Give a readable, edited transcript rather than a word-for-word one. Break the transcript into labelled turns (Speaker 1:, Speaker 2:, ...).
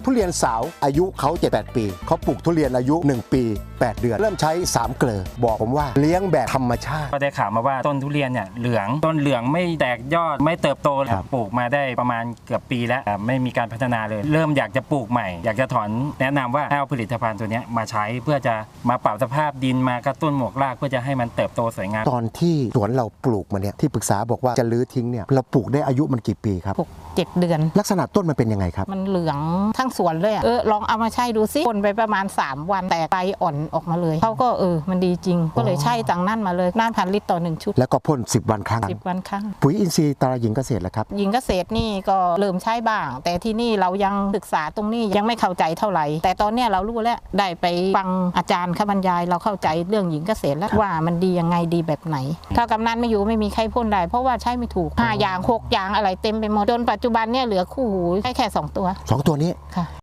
Speaker 1: ทุเรียนสาวอายุเขา7-8 ปีเขาปลูกทุเรียนอายุ1 ปี 8 เดือนเริ่มใช้3 เกลือบอกผมว่าเลี้ยงแบบธรรมชาติ
Speaker 2: ก็ได้ข่าวมาว่าต้นทุเรียนเนี่ยเหลืองต้นเหลืองไม่แตกยอดไม่เติบโตปลูกมาได้ประมาณเกือบปีแล้วไม่มีการพัฒนาเลยเริ่มอยากจะปลูกใหม่อยากจะถอนแนะนำว่าให้เอาผลิตภัณฑ์ตัวนี้มาใช้เพื่อจะมาปรับสภาพดินมากระตุ้นหมวกรากเพื่อจะให้มันเติบโตสวยงาม
Speaker 1: ตอนที่สวนเราปลูกมาเนี่ยที่ปรึกษาบอกว่าจะลื้อทิ้งเนี่ยเราปลูกได้อายุมันกี่ปีครับ
Speaker 3: 7 เดือน
Speaker 1: ลักษณะต้นมันเป็นยังไงครับ
Speaker 3: มันเหลืองทั้งสวนเลยลองเอามาใช้ดูซิคนไปประมาณ3 วันแตกใบอ่อนออกมาเลยเขาก็มันดีจริงก็เลยใช้ต่างนั่นมาเลยน่า1,000 ลิตรต่อ1 ชุด
Speaker 1: แล้วก็พ่น10 วันครั้ง
Speaker 3: 10 วันครั้ง
Speaker 1: ปุ๋ยอินทรีย์ตราหญิงเกษตรแล้วครับ
Speaker 3: หญิงเกษตรนี่ก็เริ่มใช้บ้างแต่ที่นี่เรายังศึกษาตรงนี้ยังไม่เข้าใจเท่าไหร่แต่ตอนนี้เรารู้แล้วได้ไปฟังอาจารย์เขาบรรยายเราเข้าใจเรื่องหญิงเกษตรแล้วว่ามันดียังไงดีแบบไหนถ้ากำนันไม่อยู่ไม่มีใครพ่นได้เพราะว่าใช้ไม่ถูก5 อย่าง 6 อย่างอะไรเต็มไปหมดจนปัจจุบันเนี่ยเหลือคู่หูแค่2 ตัว
Speaker 1: 2 ตัวนี้
Speaker 3: ค่ะ